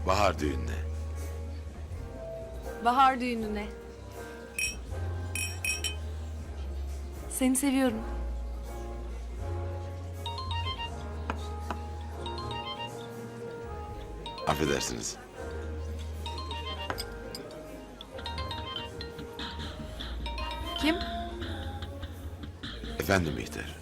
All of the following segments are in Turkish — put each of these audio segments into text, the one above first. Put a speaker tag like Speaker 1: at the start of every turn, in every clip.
Speaker 1: Bahar düğününe.
Speaker 2: Bahar düğününe. Seni seviyorum.
Speaker 1: Affedersiniz.
Speaker 2: Kim?
Speaker 1: Efendim Bihter.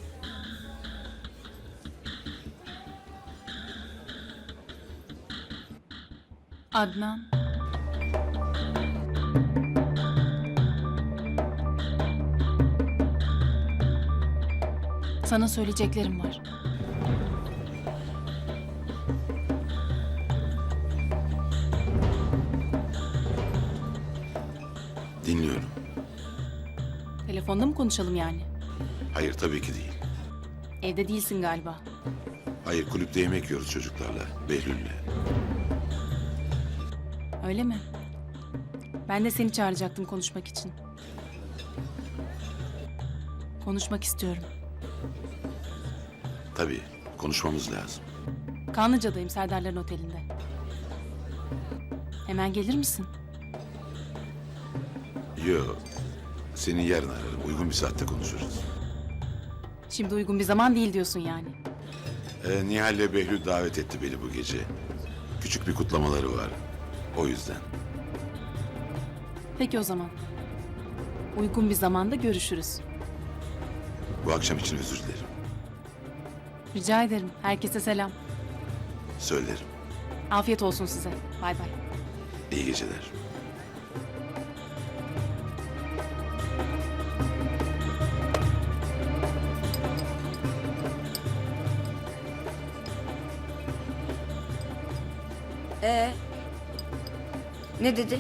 Speaker 3: Adnan. Sana söyleyeceklerim var.
Speaker 1: Dinliyorum.
Speaker 3: Telefonda mı konuşalım yani?
Speaker 1: Hayır tabii ki değil.
Speaker 3: Evde değilsin galiba.
Speaker 1: Hayır kulüpte yemek yiyoruz çocuklarla. Behlül'le.
Speaker 3: Öyle mi? Ben de seni çağıracaktım konuşmak için. Konuşmak istiyorum.
Speaker 1: Tabii konuşmamız lazım.
Speaker 3: Kanlıca'dayım, Serdarların otelinde. Hemen gelir misin?
Speaker 1: Yo. Seni yarın ararım. Uygun bir saatte konuşuruz.
Speaker 3: Şimdi uygun bir zaman değil diyorsun yani.
Speaker 1: Nihal'le Behlül davet etti beni bu gece. Küçük bir kutlamaları var. O yüzden.
Speaker 3: Peki o zaman. Uygun bir zamanda görüşürüz.
Speaker 1: Bu akşam için özür dilerim.
Speaker 3: Rica ederim. Herkese selam.
Speaker 1: Söylerim.
Speaker 3: Afiyet olsun size. Bay bay.
Speaker 1: İyi geceler.
Speaker 4: Ne dedi?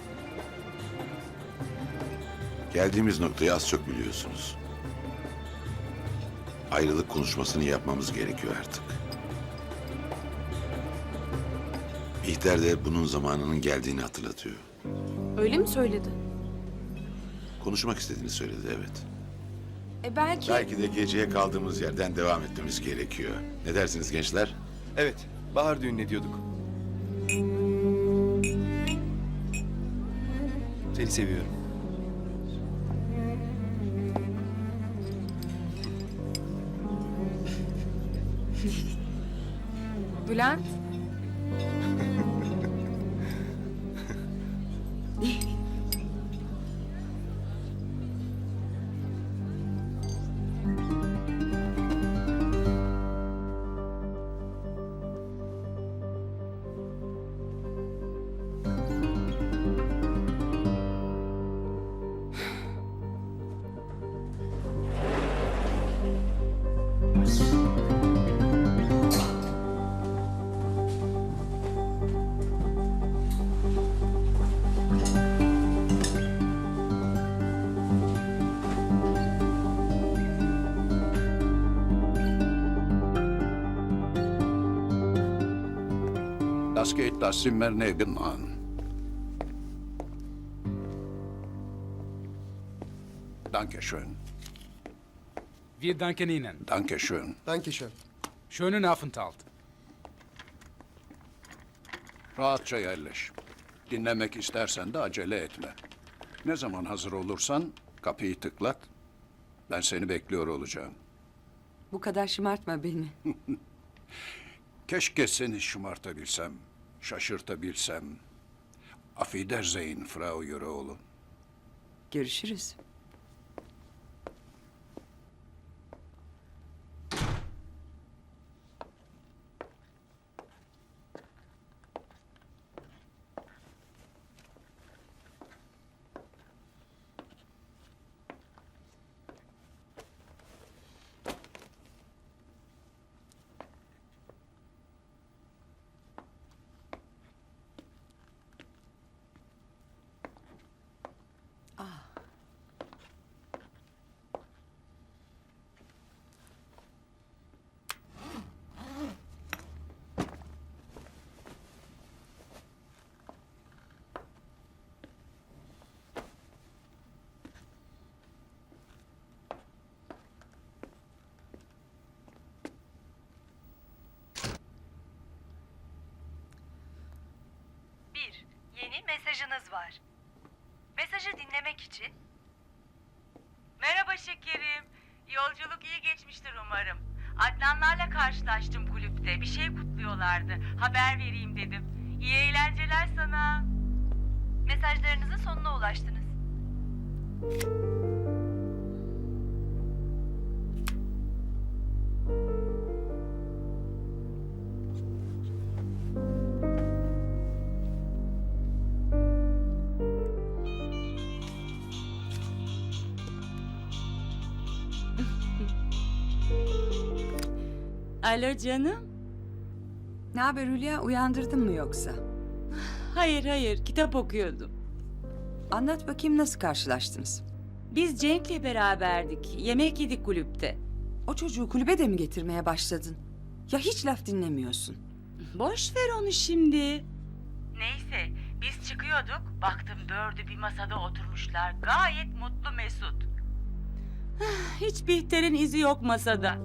Speaker 1: Geldiğimiz noktayı az çok biliyorsunuz. Ayrılık konuşmasını yapmamız gerekiyor artık. Bihter de bunun zamanının geldiğini hatırlatıyor.
Speaker 2: Öyle mi söyledi?
Speaker 1: Konuşmak istediğini söyledi, evet.
Speaker 2: Belki...
Speaker 1: Belki de geceye kaldığımız yerden devam etmemiz gerekiyor. Ne dersiniz gençler?
Speaker 5: Evet, bahar düğününe diyorduk. Seni seviyorum.
Speaker 2: Bülent?
Speaker 6: Das geht das Zimmer nebenan. Dankeschön.
Speaker 7: Wir danken Ihnen.
Speaker 6: Dankeschön.
Speaker 5: Dankeschön.
Speaker 7: Schönen Aufenthalt.
Speaker 6: Rahatça yerleş. Dinlemek istersen de acele etme. Ne zaman hazır olursan kapıyı tıklat. Ben seni bekliyor olacağım.
Speaker 4: Bu kadar şımartma beni.
Speaker 6: Keşke seni şımartabilsem, şaşırtabilsem. Auf Wiedersehen, Frau Yüreoğlu.
Speaker 4: Görüşürüz.
Speaker 8: yeni mesajınız var. Mesajı dinlemek için... Merhaba şekerim. Yolculuk iyi geçmiştir umarım. Adnanlarla karşılaştım kulüpte. Bir şey kutluyorlardı. Haber vereyim dedim. İyi eğlenceler sana. Mesajlarınızın sonuna ulaştınız.
Speaker 9: Alo canım.
Speaker 4: Ne haber Hülya? Uyandırdın mı yoksa?
Speaker 9: Hayır, kitap okuyordum.
Speaker 4: Anlat bakayım, nasıl karşılaştınız?
Speaker 9: Biz Cenk'le beraberdik. Yemek yedik kulüpte.
Speaker 4: O çocuğu kulübe de mi getirmeye başladın? Ya hiç laf dinlemiyorsun.
Speaker 9: Boş ver onu şimdi.
Speaker 8: Neyse, biz çıkıyorduk. Baktım dördü bir masada oturmuşlar. Gayet mutlu mesut.
Speaker 9: Hiç Bihter'in izi yok masada.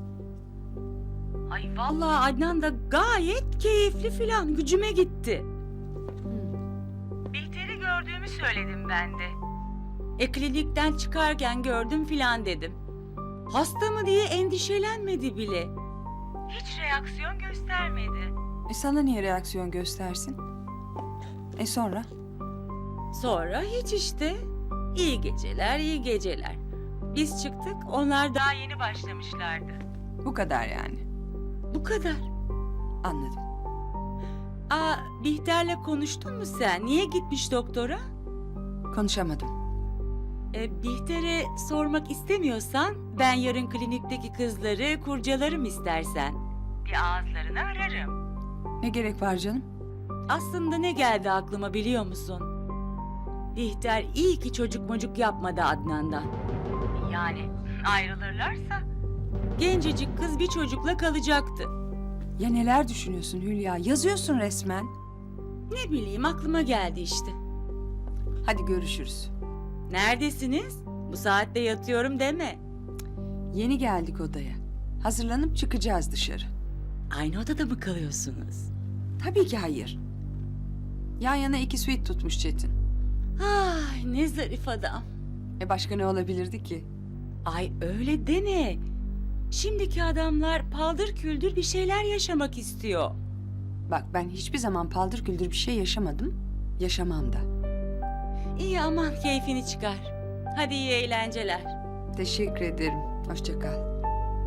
Speaker 9: Ay vallahi Adnan da gayet keyifli filan. Gücüme gitti.
Speaker 8: Bihter'i gördüğümü söyledim ben de.
Speaker 9: Klinikten çıkarken gördüm filan dedim. Hasta mı diye endişelenmedi bile.
Speaker 8: Hiç reaksiyon göstermedi.
Speaker 4: Sana niye reaksiyon göstersin? Sonra?
Speaker 9: Sonra hiç işte. İyi geceler, iyi geceler. Biz çıktık, onlar
Speaker 8: Daha yeni başlamışlardı.
Speaker 4: Bu kadar yani.
Speaker 9: bu kadar.
Speaker 4: Anladım.
Speaker 9: Bihter'le konuştun mu sen? Niye gitmiş doktora?
Speaker 4: Konuşamadım.
Speaker 9: Bihter'e sormak istemiyorsan ben yarın klinikteki kızları kurcalarım istersen.
Speaker 8: Bir ağızlarını ararım.
Speaker 4: Ne gerek var canım?
Speaker 9: Aslında ne geldi aklıma biliyor musun? Bihter iyi ki çocuk mocuk yapmadı Adnan'dan.
Speaker 8: Yani ayrılırlarsa
Speaker 9: Gencecik kız bir çocukla kalacaktı.
Speaker 4: Ya neler düşünüyorsun Hülya? Yazıyorsun resmen.
Speaker 9: Ne bileyim aklıma geldi işte.
Speaker 4: Hadi görüşürüz.
Speaker 9: Neredesiniz? Bu saatte yatıyorum deme.
Speaker 4: Yeni geldik odaya. Hazırlanıp çıkacağız dışarı.
Speaker 9: Aynı odada mı kalıyorsunuz?
Speaker 4: Tabii ki hayır. Yan yana 2 suite tutmuş Çetin.
Speaker 9: Ay ne zarif adam.
Speaker 4: Başka ne olabilirdi ki?
Speaker 9: Ay öyle deme. Şimdiki adamlar paldır küldür bir şeyler yaşamak istiyor.
Speaker 4: Bak, ben hiçbir zaman paldır küldür bir şey yaşamadım. Yaşamam da.
Speaker 9: İyi aman keyfini çıkar. Hadi iyi eğlenceler.
Speaker 4: Teşekkür ederim. Hoşça kal.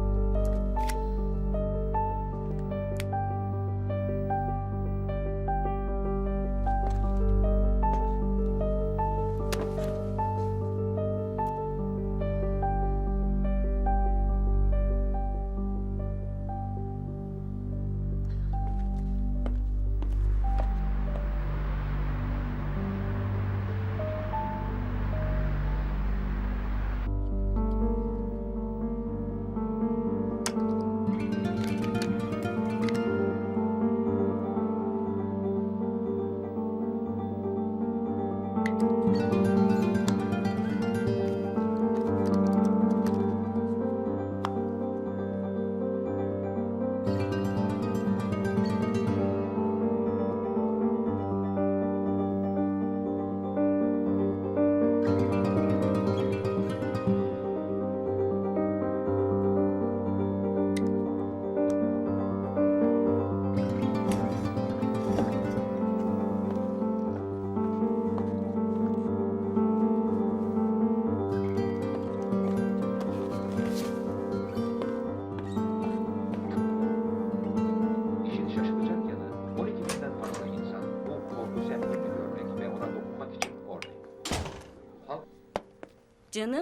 Speaker 10: İşin şaşılacak yanı 12 binden fazla insan bu korku sembolünü görmek ve ona dokunmak için oradaydı. Halk
Speaker 9: Canım.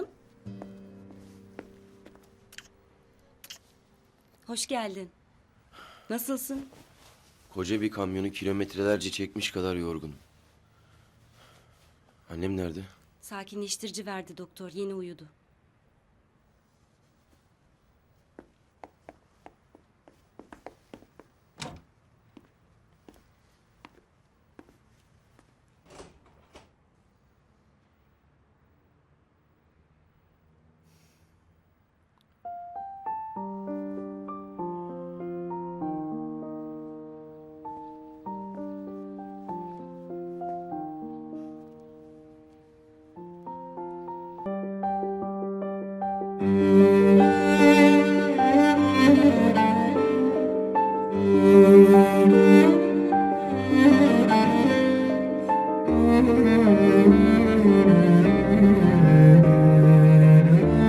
Speaker 9: Hoş geldin. Nasılsın?
Speaker 5: Koca bir kamyonu kilometrelerce çekmiş kadar yorgunum. Annem nerede?
Speaker 9: Sakinleştirici verdi doktor. Yeni uyudu.
Speaker 1: Bye.